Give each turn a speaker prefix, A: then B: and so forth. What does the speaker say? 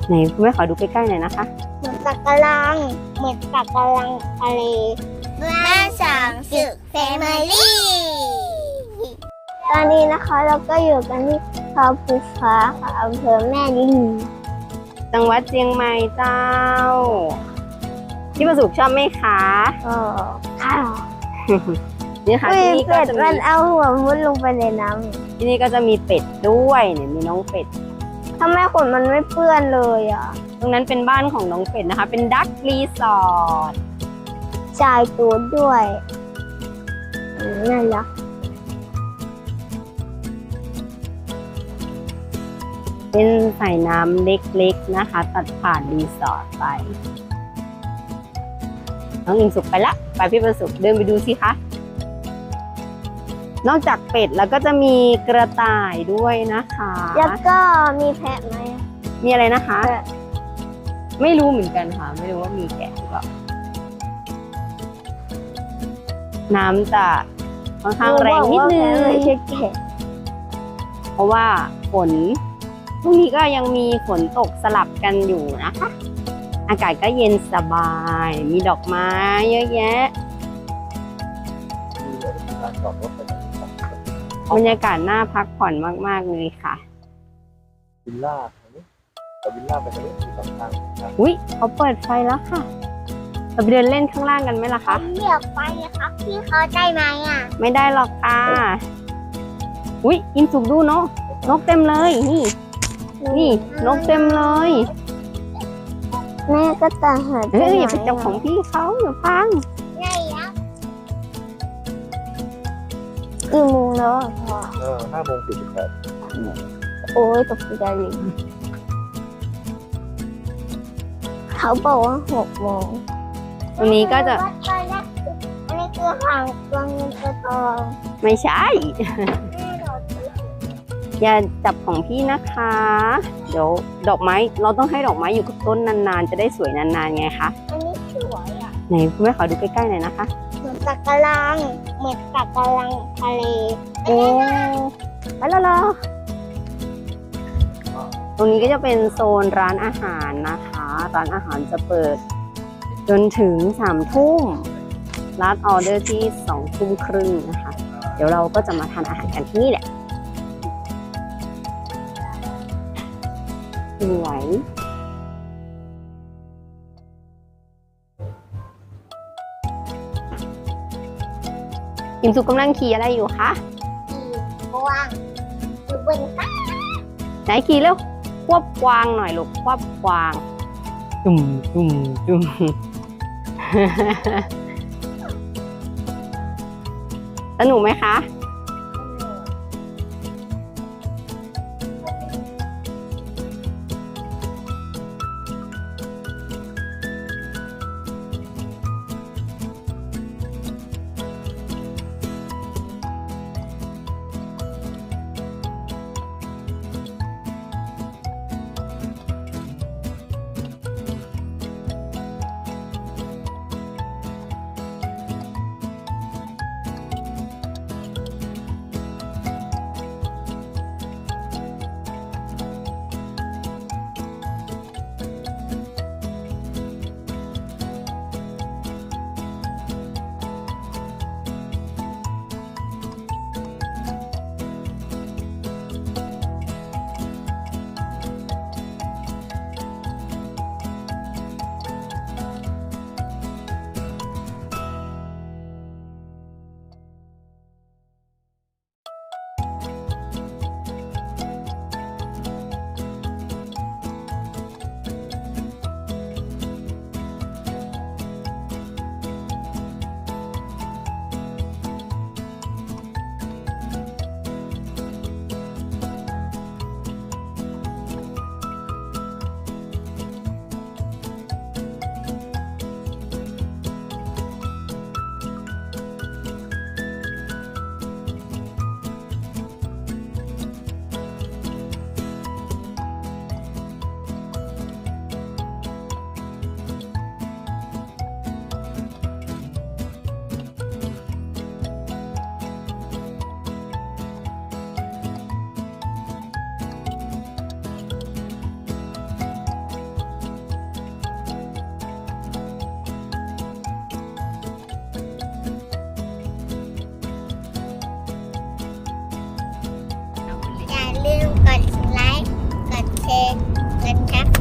A: ไหนคุณแม่ขอดูใกล้ๆหน่อยนะคะ
B: เหมือนสักกะลังเหมือนสักกะลังทะเลแม่สางศึกแฟมิลี่ตอนนี้นะคะเราก็อยู่กันที่เขาภูฟ้าค่ะอำเภอแม่ริม
A: จังหวัดเชียงใหม่เจ้าพี่ประสุขชอบไหมคะ
B: ค่ะ
A: นี่ค่ะที่นี่ก็จะมี
B: มันเอาหัวมุดลงไปในน้ำ
A: ที่นี่ก็จะมีเป็ดด้วยเนี่ยมีน้องเป็ด
B: ทำไมขนมันไม่เปื้อนเลยอ่ะ
A: ตรงนั้นเป็นบ้านของน้องเป็ดนะคะเป็นดักรีสอร์ท
B: ชายตัวด้วยน่ารัก
A: เป็นสายน้ำเล็กๆนะคะตัดผ่านรีสอร์ทไปน้องอิงสุกไปละไปพี่ประสุขเดินไปดูสิคะนอกจากเป็ดแล้วก็จะมีกระต่ายด้วยนะคะ
B: แล้วก็มีแพะไหม
A: มีอะไรนะคะไม่รู้เหมือนกันค่ะไม่รู้ว่ามีแกะหรือเปล่าน้ำจะค่อนข้างแรงนิดนึงเพราะว่าฝนพรุ่งนี้ก็ยังมีฝนตกสลับกันอยู่นะคะอากาศก็เย็นสบายมีดอกไม้เยอะแยะบรรยากาศน่าพักผ่อนมากๆเลยค่ะ
C: วิลล่าแต่วิลล่าไปทางนี้มีสองทาง
A: อุ๊ยเขาเปิดไฟแล้วค่ะเราไปเดินเล่นข้างล่างกันไหมล่ะคะ
B: เรียกไปครับพี่เขาได้ไหมอ่ะ
A: ไม่ได้หรอกค่ะอุ๊ยอินสุกดูเนาะนกเต็มเลยนี่นกเต็มเลย
B: แม่ก็ตาหา
A: อย่าไปจับของพี่เขาอย่าพัง
B: ใช่แล้วกี่โมงแล้วพ่อ
C: 5:48
B: โอ้ยตกใจเลยเขาบอกว่า6 โมง
A: วันนี้ก็จะ
B: อันนี้คือหางตัวเงินตัวทอง
A: ไม่ใช่อย่าจับของพี่นะคะเดี๋ยวดอกไม้เราต้องให้ดอกไม้อยู่กับต้นนานๆจะได้สวยนานๆไงคะ
B: อันนี้สวยอ่ะ
A: ไหนคุณแม่ขอดูใกล้ๆหน่อยนะคะ
B: เหมือนสักกะลังเหมือนสักกะลังทะเล
A: โอ้ไปแล้วเหรอตรงนี้ก็จะเป็นโซนร้านอาหารนะคะร้านอาหารจะเปิดจนถึง3 ทุ่มร้านออเดอร์ที่2 ทุ่มครึ่งนะคะเดี๋ยวเราก็จะมาทานอาหารกันที่นี่แหละสวยอิมสุกำลังขี่อะไรอยู่คะ
B: กวางอยู่บนฟ้า
A: ไหนขี่เร็วควบกวางหน่อยลูกควบกวางจุ่มสนุกไหมคะ
B: ร์กันนะคะ